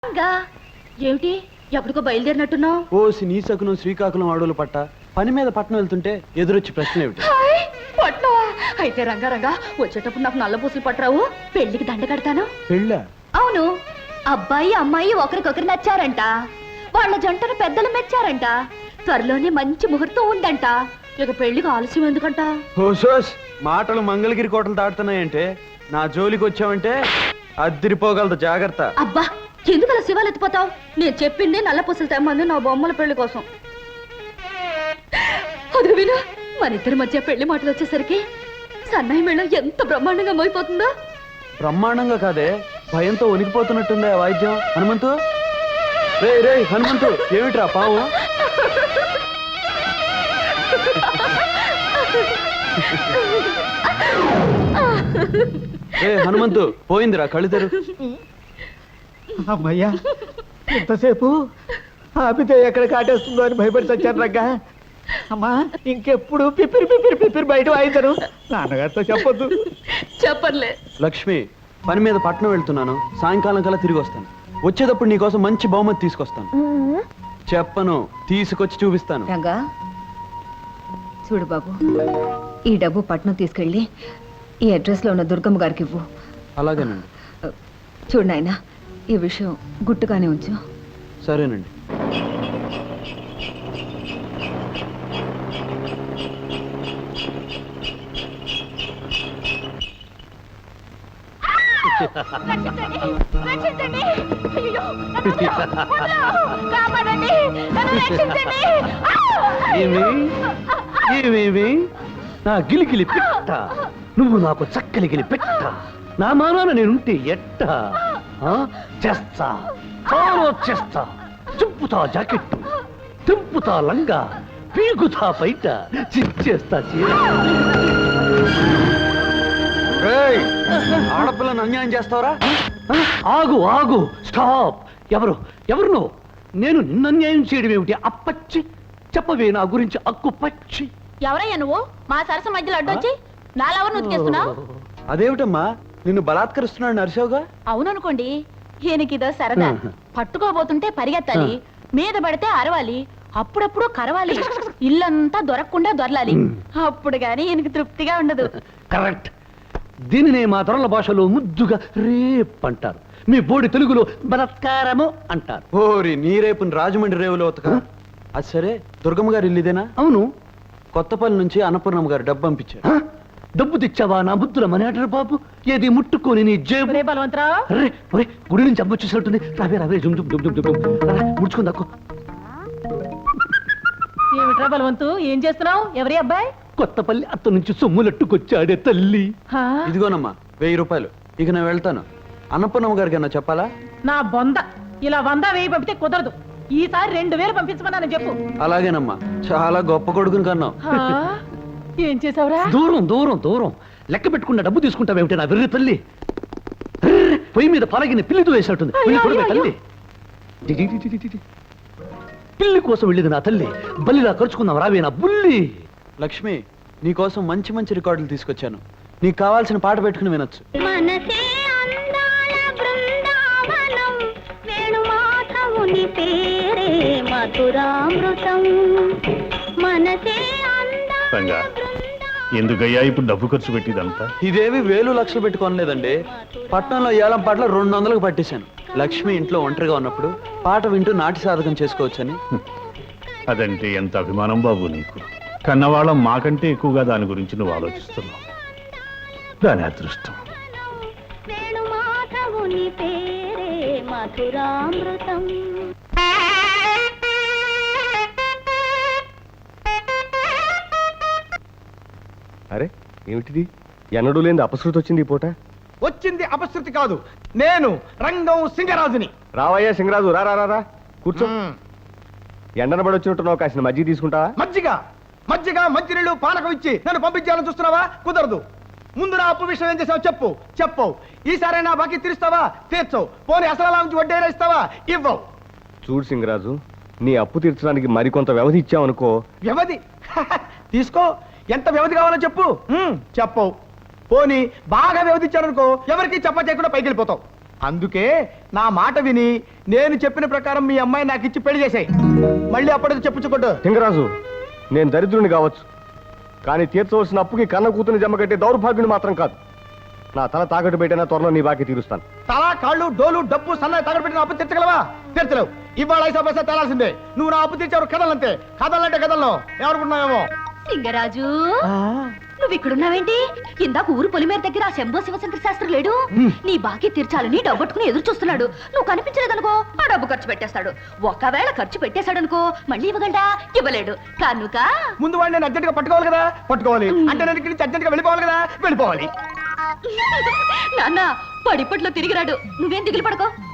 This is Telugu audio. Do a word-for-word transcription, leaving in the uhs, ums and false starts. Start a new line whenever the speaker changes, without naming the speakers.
ఏమిటి ఎప్పటికో బయలుదేరినట్టున్నావు?
ఓ శ్రీకాకుళం శ్రీకాకుళం అడవులు పట్ట పని మీద పట్టణం వెళ్తుంటే ఎదురొచ్చి ప్రశ్న ఏమిటి?
పట్నవా? అయితే రంగారంగా వచ్చేటప్పుడు నాకు నల్ల పూసలు పట్టరావు, పెళ్లికి దండ కడతాను.
పెళ్ళా?
అవును, అబ్బాయి అమ్మాయి ఒకరికొకరు నచ్చారంట, వాళ్ళ జంటను పెద్దలు మెచ్చారంట, త్వరలోనే మంచి ముహూర్తం ఉందంట. ఇక పెళ్లికి ఆలస్యం ఎందుకంట?
హోసోస్ మాటలు మంగళగిరి కోటలు దాటుతున్నాయంటే నా జోలికి వచ్చావంటే అద్దిరిపోగలదు, జాగ్రత్త.
అబ్బా, ఎందుకు అలా శివాలు ఎత్తిపోతావు? నేను చెప్పింది నల్ల పూసలు తెమ్మంది నా బొమ్మల పెళ్లి కోసం. అదిగో విను, మన ఇద్దరి మధ్య పెళ్లి మాటలు వచ్చేసరికి సన్నాయి మేళం ఎంత బ్రహ్మాండంగా మోయిపోతుందో.
బ్రహ్మాండంగా కాదే, భయంతో వణికిపోతున్నట్టుంది ఆ వాయిద్యం. హనుమంతు, రే రే హనుమంతు, ఏమిట్రా పావు? ఏ హనుమంతు, పోయిందిరా కళ్ళిద్దరు.
అమ్మయ్యా, ఎంతసేపు ఆపితే ఎక్కడ కాటేస్తుందో అని భయపడి చచ్చాను రగ్గా. అమ్మా, ఇంకెప్పుడు పిపిరి పిపిరి పిపిరి బయట వాయిద్దరు, నాన్నగారితో చెప్పొద్దు.
చెప్పర్లే.
లక్ష్మి, పని మీద పట్నం వెళ్తున్నాను, సాయంకాలం కల్లా తిరిగి వస్తాను. వచ్చేటప్పుడు నీకోసం మంచి బహుమతి తీసుకొస్తాను. చెప్పను, తీసుకొచ్చి చూపిస్తాను.
రంగా చూడు బాబు, ఈ డబ్బు పట్నం తీసుకెళ్ళి ఈ అడ్రస్ లో ఉన్న దుర్గమ్మ గారికి ఇవ్వు.
అలాగేనండి.
చూడు నాయనా, ఈ విషయం గుట్టుగానే ఉంచు.
సరేనండి.
ఏమేమి నా గిలిగిలి పెట్ట, నువ్వు నాకు చక్కలిగిలి పెట్ట, నా మానాన నేనుంటే ఎట్ట చేస్తా, చాలా చేస్తా. చింపుతా జాకెట్టు, తింపుతా లంగా, పీకుతా బయట, చిచ్చేస్తా చీర.
ఆడపిల్లను అన్యాయం చేస్తావరా?
ఆగు ఆగు, స్టాప్. ఎవరు ఎవరు నువ్వు? నేను నిన్ను అన్యాయం చేయడం ఏమిటి? అప్పచ్చి చెప్పవే నా గురించి అక్కు పచ్చి.
ఎవరయ్యా నువ్వు? మా సరస మధ్యలో అడ్డొచ్చి నాలెవరు నుతికేస్తున్నావు?
అదేమిటమ్మా, నిన్ను బలాత్కరిస్తున్నాడు నరసోగా?
అవుననుకోండి, ఈయనకిదో సరదా. పట్టుకోబోతుంటే పరిగెత్తాలి, మీద పడితే అరవాలి, అప్పుడప్పుడు కరవాలి, ఇల్లంతా దొరకకుండా దొరలాలి. అప్పుడు గాని ఈయనకి తృప్తిగా ఉండదు.
కరెక్ట్. దీనినే మా తరల భాషలో ముద్దుగా రేప్ అంటారు, మీ బోడి తెలుగులో బలత్కారము అంటారు.
ఓరి నీ రేపుని రాజమండ్రి రేవులో ఉతక. అది సరే, దుర్గమ్మ గారు ఇల్లుదేనా?
అవును.
కొత్తపల్లి నుంచి అన్నపూర్ణమ్మ గారు డబ్బు పంపించారు.
డబ్బు తెచ్చావా నా బుద్ధుల మనేటరు బాబు? ఏది ముట్టుకొని నీ జేబు.
బలవంతరావు,
గుడి నుంచి అమ్మ వచ్చేసినట్టుంది. రావే రావే, జుమ్ జుమ్ జుమ్ జుమ్ ముడుచుకుని దక్కు.
ఏమిట్రా బలవంతు, ఏం చేస్తున్నావు? ఎవరి అబ్బాయి?
కొత్తపల్లి అత్త నుంచి సొమ్ములట్టుకొచ్చాడే తల్లి.
ఇదిగోనమ్మా వెయ్యి రూపాయలు. ఇక నేను వెళ్తాను. అన్నపూర్ణమ్మ గారికి అన్నా చెప్పాలా?
నా బొంద, ఇలా వంద వెయ్యి పంపితే కుదరదు. ఈసారి రెండు వేలు పంపించమన్నాను చెప్పు.
అలాగేనమ్మా, చాలా గొప్ప కొడుకుని కన్నావు.
ఏం చేసావురా?
దూరం దూరం దూరం లెక్క పెట్టుకున్న డబ్బు తీసుకుంటావేమిటి నా వెర్రి తల్లి? పొయ్యి మీద పలగిన పిల్లితో వేసినట్టుంది. తల్లి, పిల్లి కోసం వెళ్ళింది నా తల్లి. బల్లిలా ఖర్చుకుందాం రావే నా బుల్లి.
లక్ష్మి, నీకోసం మంచి మంచి రికార్డులు తీసుకొచ్చాను. నీకు కావాల్సిన పాట పెట్టుకుని వినొచ్చు.
ఎందుకయ్యా ఇప్పుడు డబ్బు ఖర్చు పెట్టిదంతా?
ఇదేవి వేలు లక్షలు పెట్టుకోనలేదండి. పట్నంలో ఏలం పాటలు రెండు వందలకు పట్టేశాను. లక్ష్మి ఇంట్లో ఒంటరిగా ఉన్నప్పుడు పాట వింటూ నాటి సాధకం చేసుకోవచ్చని.
అదంటే ఎంత అభిమానం బాబు నీకు. కన్నవాళ్ళం మాకంటే ఎక్కువగా దాని గురించి నువ్వు ఆలోచిస్తున్నావు. దాని అదృష్టం.
అరే ఏమిటిది? ఎన్నడూ లేని అపశృతి వచ్చింది ఈ పూట.
వచ్చింది అపశృతి కాదు, నేను రంగం సింగరాజుని.
రావయ్యా సింగరాజు, రా రా రా కూర్చో. ఎండనబడి వచ్చినట్టున్నావు, కాసిన మజ్జిగ తీసుకుంటావా?
మజ్జిగ మజ్జిగ మంచినీళ్ళు పానకం ఇచ్చి నన్ను పంపించాలని చూస్తున్నావా? కుదరదు. ముందు నా అప్పు విషయం ఏం చేసావు చెప్పు. చెప్పవు. ఈసారైనా బాకీ తీరుస్తావా? తీర్చవు. పోనీ అసలు నుంచి వడ్డీ ఇస్తావా? ఇవ్వవు.
చూడు సింగరాజు, నీ అప్పు తీర్చడానికి మరికొంత వ్యవధి ఇచ్చావనుకో.
వ్యవధి తీసుకో. ఎంత వ్యవధి కావాలో చెప్పు. చెప్పవు. పోనీ బాగా వ్యవధించారనుకో, ఎవరికి చెప్ప చేయకుండా పైకి వెళ్ళిపోతావు. అందుకే నా మాట విని నేను చెప్పిన ప్రకారం మీ అమ్మాయి నాకు ఇచ్చి పెళ్లి చేసాయి. మళ్ళీ అప్పటికి చెప్పుచ్చుకోడు.
లింగరాజు, నేను దరిద్రుని కావచ్చు, కానీ తీర్చవలసిన అప్పుకి కన్న కూతుని జమ కట్టే దౌర్భాగ్యుని మాత్రం కాదు. నా తల తాకట్టు పెట్టినా త్వరలో నీ బాకీ తీరుస్తాను.
తల కాళ్ళు డోలు డబ్బు సన్నాయి తగడబెట్టిన అప్పు తీర్చగలవా? తీర్చలేవు. ఇవాళ ఐసా పైసా తేలాల్సిందే. నువ్వు నా అప్పు తీర్చావు కథలంతే. కథలంటే కథల్లో ఎవరుకున్నావేమో.
సింగరాజు నువ్వు ఇక్కడున్నావేంటి? ఇందాక ఊరు పొలిమేర దగ్గర ఆ శంభో శివశంకర శాస్త్రి లేడు? నీ బాకీ తీర్చాలని డబ్బట్టుకుని ఎదురు చూస్తున్నాడు. నువ్వు కనిపించలేదనుకో ఆ డబ్బు ఖర్చు పెట్టేస్తాడు. ఒకవేళ ఖర్చు పెట్టేశాడనుకో మళ్ళీ ఇవ్వగలడా? ఇవ్వలేడు కనుక
ముందు వాడిని నేను అర్జెంట్ గా పట్టుకోవాలి కదా. పట్టుకోవాలి అంటే నేను ఇక్కడి నుంచి అర్జెంట్ గా వెళ్ళిపోవాలి కదా. వెళ్ళిపోవాలి.
నాన్న పడిపట్లో తిరిగిరాడు. నువ్వేం దిగులు పడకో.